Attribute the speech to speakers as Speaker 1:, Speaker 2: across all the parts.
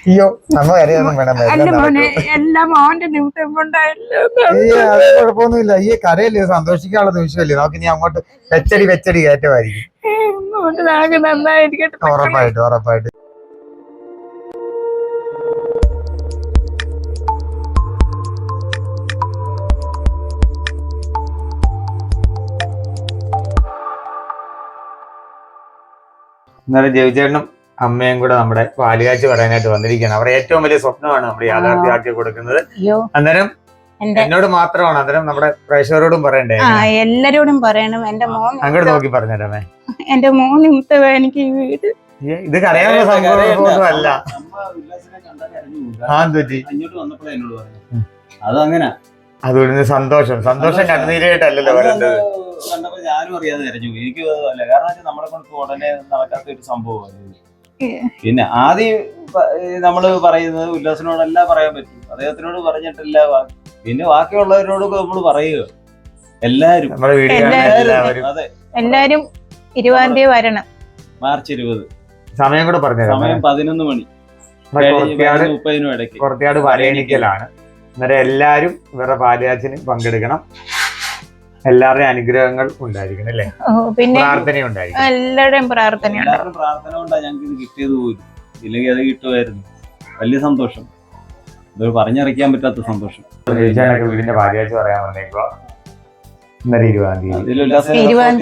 Speaker 1: അയ്യോ നമ്മ കരയൊന്നും വേണം.
Speaker 2: എല്ലാം മോന്റെ നിമിത്തം കൊണ്ടായല്ലോ.
Speaker 1: അത് കുഴപ്പമൊന്നുമില്ല. ഈ കരയല്ലേ, സന്തോഷിക്കാനുള്ള നിമിഷമല്ലേ. നമുക്ക് ഇനി അങ്ങോട്ട് വെച്ചടി കയറ്റമായിരിക്കും.
Speaker 2: നന്നായിരിക്കട്ടെ.
Speaker 1: ഉറപ്പായിട്ട്. ഇന്നലെ ജവിചേട്ടനും അമ്മയും കൂടെ നമ്മുടെ പാലുകാഴ്ച പറയാനായിട്ട് വന്നിരിക്കുകയാണ്. അവരുടെ ഏറ്റവും വലിയ സ്വപ്നമാണ് നമ്മൾ യാഥാർത്ഥ്യമാക്കി കൊടുക്കുന്നത്. അന്നേരം എന്നോട് മാത്രമാണ്, അന്നേരം നമ്മുടെ പ്രേക്ഷകരോടും പറയണ്ടേ?
Speaker 2: എല്ലാരോടും പറയണം. എന്റെ മോൻ
Speaker 1: അങ്ങോട്ട് നോക്കി പറഞ്ഞേരമേ.
Speaker 2: എന്റെ മോൻ നിമിത്തം എനിക്ക് ഈ വീട്
Speaker 1: ഇത് കരയാനുള്ള സംഭവമൊന്നും അല്ല.
Speaker 3: അതങ്ങനെ
Speaker 1: അതുകൊണ്ട് സന്തോഷം കണ്ണുനീരായിട്ടല്ലല്ലോ പറയുന്നത്.
Speaker 3: കണ്ടപ്പോ ഞാനും അറിയാതെ കരഞ്ഞു. എനിക്ക് അല്ല, കാരണം നമ്മളെ കൊണ്ട് ഉടനെ നടക്കാത്ത ഒരു സംഭവമാണ്. പിന്നെ ആദ്യം നമ്മള് പറയുന്നത് ഉല്ലാസിനോടല്ല പറയാൻ പറ്റും, അദ്ദേഹത്തിനോട് പറഞ്ഞിട്ടില്ല. പിന്നെ ബാക്കിയുള്ളവരോട് നമ്മൾ പറയുക. എല്ലാരും
Speaker 2: അതെ, എല്ലാരും 20-ാം തീയതി വരണം.
Speaker 3: മാർച്ച് 20.
Speaker 1: സമയം കൂടെ പറഞ്ഞു.
Speaker 3: സമയം 11 മണി 30 ഇടയ്ക്ക്.
Speaker 1: പുറത്തിയാട് വരയണിക്കലാണ്. അന്നേരം എല്ലാരും ഇവരുടെ പാലുകാച്ചിന് പങ്കെടുക്കണം. എല്ലാവരുടെയും അനുഗ്രഹങ്ങൾ ഉണ്ടായിരിക്കണം അല്ലേ?
Speaker 2: പിന്നെ
Speaker 1: പ്രാർത്ഥന ഉണ്ടായിരിക്കണം.
Speaker 2: എല്ലാവരുടെയും പ്രാർത്ഥന
Speaker 3: കൊണ്ടാ ഞങ്ങൾക്ക് ഇത് കിട്ടിയത് പോലും. ഇല്ലെങ്കിൽ അത് കിട്ടുമായിരുന്നു. വലിയ സന്തോഷം, ഇത് പറഞ്ഞറിയിക്കാൻ പറ്റാത്ത സന്തോഷം.
Speaker 1: വീടിന്റെ പാലുകാഴ്ച പറയാൻ വന്നേക്കോ. ഇന്നലെ
Speaker 3: 20-ാം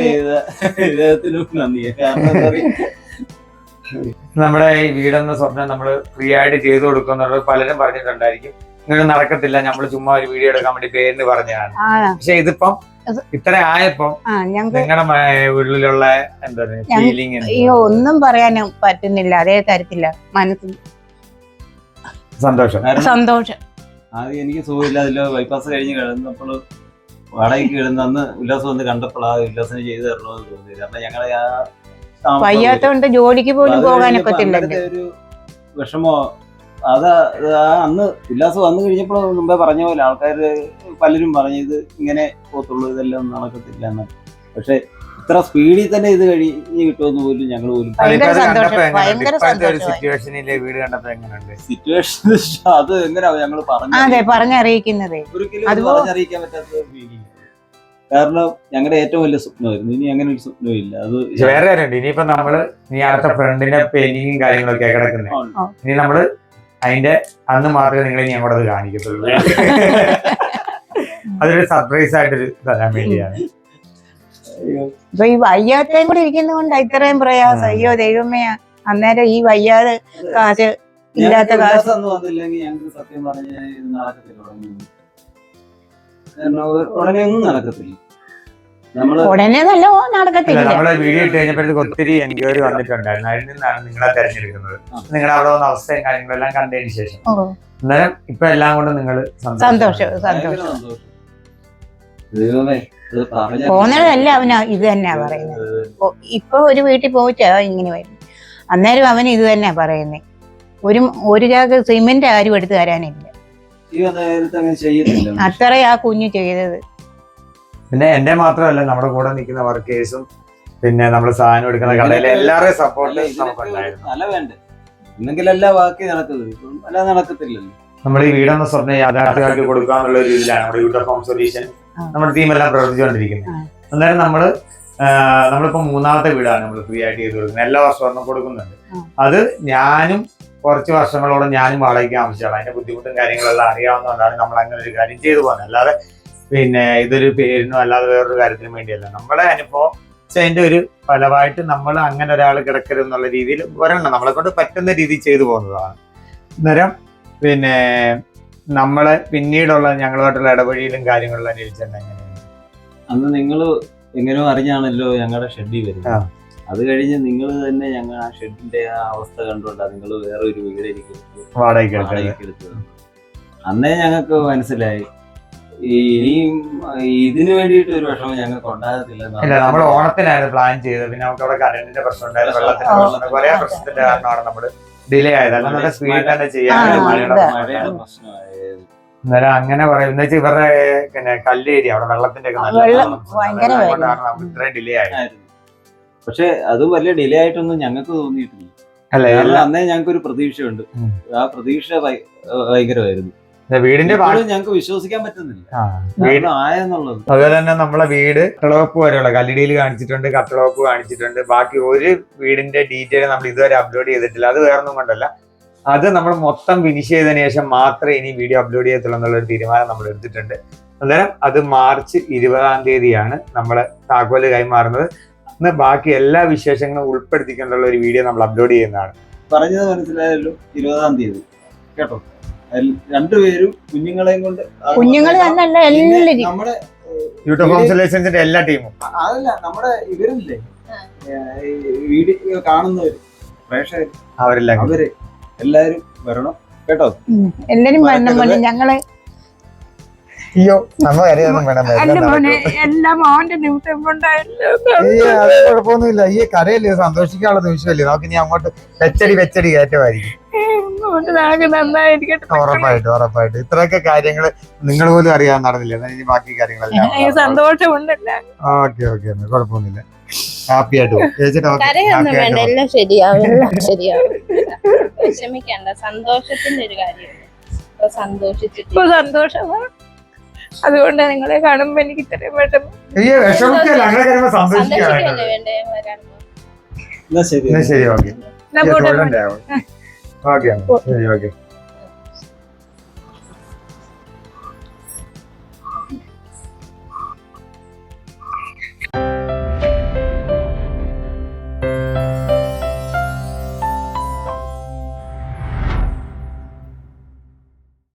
Speaker 3: തീയതി.
Speaker 1: നമ്മുടെ ഈ വീടെന്ന സ്വപ്നം നമ്മള് ഫ്രീ ആയിട്ട് ചെയ്തു കൊടുക്കുന്നുള്ളത് പലരും പറഞ്ഞിട്ടുണ്ടായിരിക്കും. ഇങ്ങനെ നടക്കത്തില്ല, നമ്മള് ചുമ്മാ ഒരു വീഡിയോ എടുക്കാൻ വേണ്ടി പേരിന് പറഞ്ഞതാണ്. പക്ഷെ ഇതിപ്പം ഇത്ര ആയപ്പോ നിങ്ങളുടെ ഉള്ളിലുള്ള എന്താ ഫീലിംഗ്?
Speaker 2: ഒന്നും പറയാനും പറ്റുന്നില്ല. അതേ തരത്തില്ല മനസ്സിൽ
Speaker 1: സന്തോഷം.
Speaker 3: ആദ്യം എനിക്ക് സുഖമില്ല. അതിലോ ബൈപ്പാസ് കഴിഞ്ഞ് കിടന്നപ്പോൾ വാടകയ്ക്ക് കിടന്ന് അന്ന് ഉല്ലാസം വന്ന് കണ്ടപ്പോൾ ആ ഉല്ലാസിനെ ചെയ്തു തരണമെന്ന് തോന്നി. കാരണം ഞങ്ങളെ
Speaker 2: വയ്യാത്തോണ്ട് ജോലിക്ക് പോലും പോകാനൊക്കത്തില്ല.
Speaker 3: ഒരു വിഷമോ അന്ന് ഉല്ലാസം വന്നു കഴിഞ്ഞപ്പോൾ മുമ്പേ പറഞ്ഞ പോലെ ആൾക്കാര് പലരും പറഞ്ഞു ഇത് ഇങ്ങനെ പോത്തുള്ളൂ, ഇതെല്ലാം നടക്കത്തില്ല എന്ന്. പക്ഷെ ഇത്ര സ്പീഡിൽ തന്നെ ഇത് കഴിഞ്ഞ് കിട്ടുമെന്ന് പോലും ഞങ്ങൾ പോലും സിറ്റുവേഷൻ അത് എങ്ങനെയാ ഞങ്ങൾ
Speaker 2: പറഞ്ഞറിയിക്കുന്നത്.
Speaker 3: ഒരിക്കലും പറഞ്ഞറിയിക്കാൻ പറ്റാത്ത ഫീലിംഗ്. കാരണം ഞങ്ങളുടെ ഏറ്റവും വലിയ സ്വപ്നമായിരുന്നു. ഇനി അങ്ങനെ ഒരു സ്വപ്നമില്ല. അത്
Speaker 1: വേറെ കാര്യമുണ്ട്. ഇനിയിപ്പോ നമ്മള് അടുത്ത ഫ്രണ്ടിന്റെ പെയിന്റിങ്ങും കാര്യങ്ങളൊക്കെ കിടക്കുന്നത്. ഇനി നമ്മള് അതിന്റെ അന്ന് മാത്രമേ നിങ്ങൾ ഇനി അങ്ങോട്ട് അത് കാണിക്കത്തുള്ളൂ. അതൊരു സർപ്രൈസ് ആയിട്ടൊരു തരാൻ വേണ്ടിയാണ്.
Speaker 2: ഇപ്പൊ ഈ വയ്യാത്തയും കൂടെ ഇരിക്കുന്നതുകൊണ്ട് ഇത്രയും പ്രയാസം. അയ്യോ ദൈവമേ, അന്നേരം ഈ വയ്യാതെ കാശ് ഇല്ലാത്ത കാശ്
Speaker 3: വന്നില്ലെങ്കിൽ ഞങ്ങൾക്ക് സത്യം പറഞ്ഞ നടക്കത്തില്ല. ഉടനെ ഒന്നും നടക്കത്തില്ല.
Speaker 2: ഉടനെ നല്ല നടക്കത്തില്ല.
Speaker 1: നമ്മളെ വീഡിയോ ഇട്ട് കഴിഞ്ഞപ്പോഴത്തേക്ക് ഒത്തിരി എൻക്വയറി വന്നിട്ടുണ്ടായിരുന്നു. അതിൽ നിന്നാണ് നിങ്ങളെ തെരഞ്ഞെടുക്കുന്നത്. നിങ്ങളുടെ അവിടെ വന്ന അവസ്ഥയും കാര്യങ്ങളെല്ലാം കണ്ടതിന് ശേഷം അന്നേരം ഇപ്പൊ എല്ലാം കൊണ്ട് നിങ്ങൾ
Speaker 2: സന്തോഷം. പോന്നതല്ല അവന് ഇത് തന്നെയാ പറയുന്നത്. ഇപ്പൊ ഒരു വീട്ടിൽ പോയിട്ടാ ഇങ്ങനെ വരും. അന്നേരം അവന് ഇത് തന്നെയാ പറയുന്നത്. ഒരു ചാക്ക് സിമെന്റ് ആരും എടുത്തു തരാനില്ല. അത്ര ആ കുഞ്ഞു ചെയ്തത്.
Speaker 1: പിന്നെ എന്റെ മാത്രമല്ല, നമ്മുടെ കൂടെ നിൽക്കുന്ന വർക്കേഴ്സും പിന്നെ നമ്മള് സാധനം എടുക്കുന്ന കടയിലെ എല്ലാവരുടെയും സപ്പോർട്ട് നമുക്കുണ്ടായിരുന്നു.
Speaker 3: നല്ല വേണ്ടേ, എന്നെങ്കിലല്ല ബാക്കി നടക്കുന്നത്, അല്ലാതെ നടക്കത്തില്ലല്ലോ.
Speaker 1: നമ്മൾ ഈ വീടെന്ന സ്വപ്നം യാഥാർത്ഥ്യമാക്കി കൊടുക്കാന്നുള്ള ഒരു ഇതിലാണ് നമ്മുടെ യൂട്യൂബ് ഹോം സൊല്യൂഷൻ നമ്മുടെ ടീമെല്ലാം പ്രവർത്തിച്ചുകൊണ്ടിരിക്കുന്നത്. അന്നേരം നമ്മളിപ്പോ 3ാമത്തെ വീടാണ് നമ്മൾ ഫ്രീ ആയിട്ട് ചെയ്ത് കൊടുക്കുന്നത്. എല്ലാ വർഷവും കൊടുക്കുന്നുണ്ട്. അത് ഞാനും കുറച്ച് വർഷങ്ങളോളം ഞാനും വാടകയ്ക്ക് ആവശ്യമാണ്. അതിന്റെ ബുദ്ധിമുട്ടും കാര്യങ്ങളെല്ലാം അറിയാവുന്നതുകൊണ്ടാണ് നമ്മൾ അങ്ങനെ ഒരു കാര്യം ചെയ്തു പോകുന്നത്. അല്ലാതെ പിന്നെ ഇതൊരു പേരിനോ അല്ലാതെ വേറൊരു കാര്യത്തിനും വേണ്ടിയല്ല. നമ്മുടെ അനുഭവം അതിന്റെ ഒരു ഫലമായിട്ട് നമ്മൾ അങ്ങനെ ഒരാൾ കിടക്കരുത് എന്നുള്ള രീതിയിൽ ഒരെണ്ണം നമ്മളെ കൊണ്ട് പറ്റുന്ന രീതിയിൽ ചെയ്തു പോകുന്നതാണ്. അന്നേരം പിന്നെ നമ്മളെ പിന്നീടുള്ള ഞങ്ങളുമായിട്ടുള്ള ഇടപഴകലും കാര്യങ്ങളെല്ലാം ചോദിച്ചാൽ എങ്ങനെയാണ്?
Speaker 3: അന്ന് നിങ്ങൾ എങ്ങനെയോ അറിഞ്ഞാണല്ലോ ഞങ്ങളുടെ ഷെഡിൽ വരുന്നത്. അത് കഴിഞ്ഞ് നിങ്ങൾ തന്നെ ഞങ്ങൾ ആ ഷെഡിന്റെ ആ അവസ്ഥ കണ്ടുകൊണ്ടാണ് നിങ്ങൾ വേറെ ഒരു വീട് എനിക്ക് വാടകയ്ക്ക് എടുത്തത്. അന്നേ ഞങ്ങൾക്ക് മനസ്സിലായി ഇനിയും ഇതിനു വേണ്ടിയിട്ട് ഒരു വിഷമം ഞങ്ങൾക്ക് ഉണ്ടാകത്തില്ല.
Speaker 1: നമ്മൾ ഓണത്തിനായിരുന്നു പ്ലാൻ ചെയ്തത്. പിന്നെ നമുക്ക് അവിടെ കറണ്ടിന്റെ പ്രശ്നം ഉണ്ടായിരുന്നു, വെള്ളത്തിന്റെ പ്രശ്നം, കുറെ പ്രശ്നത്തിന്റെ കാരണമാണ് നമ്മൾ ഡിലേ ആയത്. അല്ല നല്ല സ്പീഡിൽ തന്നെ ചെയ്യാൻ
Speaker 3: മഴയുടെ പ്രശ്നമായത്.
Speaker 1: അന്നേരം അങ്ങനെ പറയും വെച്ചാൽ ഇവരുടെ പിന്നെ കല്ലേരി അവിടെ വെള്ളത്തിന്റെ ഒക്കെ ഇത്രയും ഡിലേ ആയിരുന്നു.
Speaker 3: പക്ഷെ അത് വലിയ ഡിലേ ആയിട്ടൊന്നും ഞങ്ങൾക്ക് തോന്നിയിട്ടില്ല.
Speaker 1: അല്ല
Speaker 3: കാരണം അന്നേ ഞങ്ങൾക്ക് ഒരു പ്രതീക്ഷയുണ്ട്.
Speaker 1: ഉം.
Speaker 3: ആ പ്രതീക്ഷ ഭയങ്കരമായിരുന്നു.
Speaker 1: വീടിന്റെ
Speaker 3: ഇപ്പോഴും ഞങ്ങൾക്ക് വിശ്വസിക്കാൻ പറ്റുന്നില്ല കാരണം ആയെന്നുള്ളത്.
Speaker 1: അതുപോലെ തന്നെ നമ്മളെ വീട് കട്ടളവപ്പ് വരെയുള്ള കല്ലിടിയിൽ കാണിച്ചിട്ടുണ്ട്, കട്ടളവപ്പ് കാണിച്ചിട്ടുണ്ട്. ബാക്കി ഒരു വീടിന്റെ ഡീറ്റെയിൽ നമ്മൾ ഇതുവരെ അപ്ലോഡ് ചെയ്തിട്ടില്ല. അത് വേറൊന്നും കൊണ്ടല്ല, അത് നമ്മൾ മൊത്തം ഫിനിഷ് ചെയ്തതിനു ശേഷം മാത്രമേ ഇനി വീഡിയോ അപ്ലോഡ് ചെയ്യത്തുള്ളൂ എന്നുള്ളൊരു തീരുമാനം നമ്മൾ എടുത്തിട്ടുണ്ട്. അന്നേരം അത് മാർച്ച് 20-ാം തീയതിയാണ് നമ്മള് താക്കോല് കൈമാറുന്നത്. അന്ന് ബാക്കി എല്ലാ വിശേഷങ്ങളും ഉൾപ്പെടുത്തിക്കൊണ്ടുള്ള ഒരു വീഡിയോ നമ്മൾ അപ്ലോഡ് ചെയ്യുന്നതാണ്.
Speaker 3: പറഞ്ഞത് മനസ്സിലായല്ലോ, 20-ാം തീയതി കേട്ടോ. രണ്ടുപേരും കുഞ്ഞുങ്ങളെയും കൊണ്ട്
Speaker 2: കുഞ്ഞുങ്ങൾ തന്നെയല്ല എല്ലാവരും
Speaker 3: നമ്മുടെ
Speaker 1: യൂട്യൂബ് ഹോം സൊല്യൂഷൻസിന്റെ എല്ലാ ടീമും,
Speaker 3: അതല്ല നമ്മുടെ ഇവരില്ലേ വീഡിയോ കാണുന്നവര് പ്രേക്ഷകര്,
Speaker 1: അവരെല്ലാം
Speaker 3: അവര് എല്ലാരും വരണം കേട്ടോ.
Speaker 2: എല്ലാരും വരണം മോനെ. ഞങ്ങള്
Speaker 1: അയ്യോ നമ്മ കരയൊന്നും
Speaker 2: എല്ലാം മോന്റെ നിമിഷം കൊണ്ടായല്ലോ.
Speaker 1: അത് കുഴപ്പമൊന്നുമില്ല. ഈ കരയല്ലേ, സന്തോഷിക്കാനുള്ള നിമിഷമല്ലേ. നമുക്ക് ഇനി അങ്ങോട്ട് വെച്ചടി കയറ്റമായിരിക്കും.
Speaker 2: നന്നായിരിക്കട്ടെ.
Speaker 1: ഉറപ്പായിട്ടും ഇത്രയൊക്കെ കാര്യങ്ങൾ നിങ്ങൾ പോലും അറിയാൻ നടന്നില്ല. ഇനി ബാക്കി കാര്യങ്ങളെല്ലാം
Speaker 2: സന്തോഷമുണ്ടല്ല.
Speaker 1: ഓക്കെ കുഴപ്പമൊന്നുമില്ല. ഹാപ്പി ആയിട്ട് പോകും.
Speaker 4: കരയൊന്നും വേണ്ട, എല്ലാം ശരിയാവും, എല്ലാം ശരിയാവും. വിഷമിക്കണ്ട, സന്തോഷത്തിന്റെ ഒരു കാര്യം. സന്തോഷിച്ചിട്ട്
Speaker 2: സന്തോഷമാണ്. അതുകൊണ്ട് നിങ്ങളെ കാണുമ്പോ എനിക്ക് ഇത്രയും വിഷമം.
Speaker 1: വിഷമിക്കല്ല, അങ്ങനെ കാര്യങ്ങൾ സന്തോഷിക്കാൻ.
Speaker 4: സന്തോഷിക്കല്ലേ വേണ്ടേ കാണുമ്പോ.
Speaker 3: എന്നാ ശരി
Speaker 1: ശരി ഓക്കെ ഓക്കെ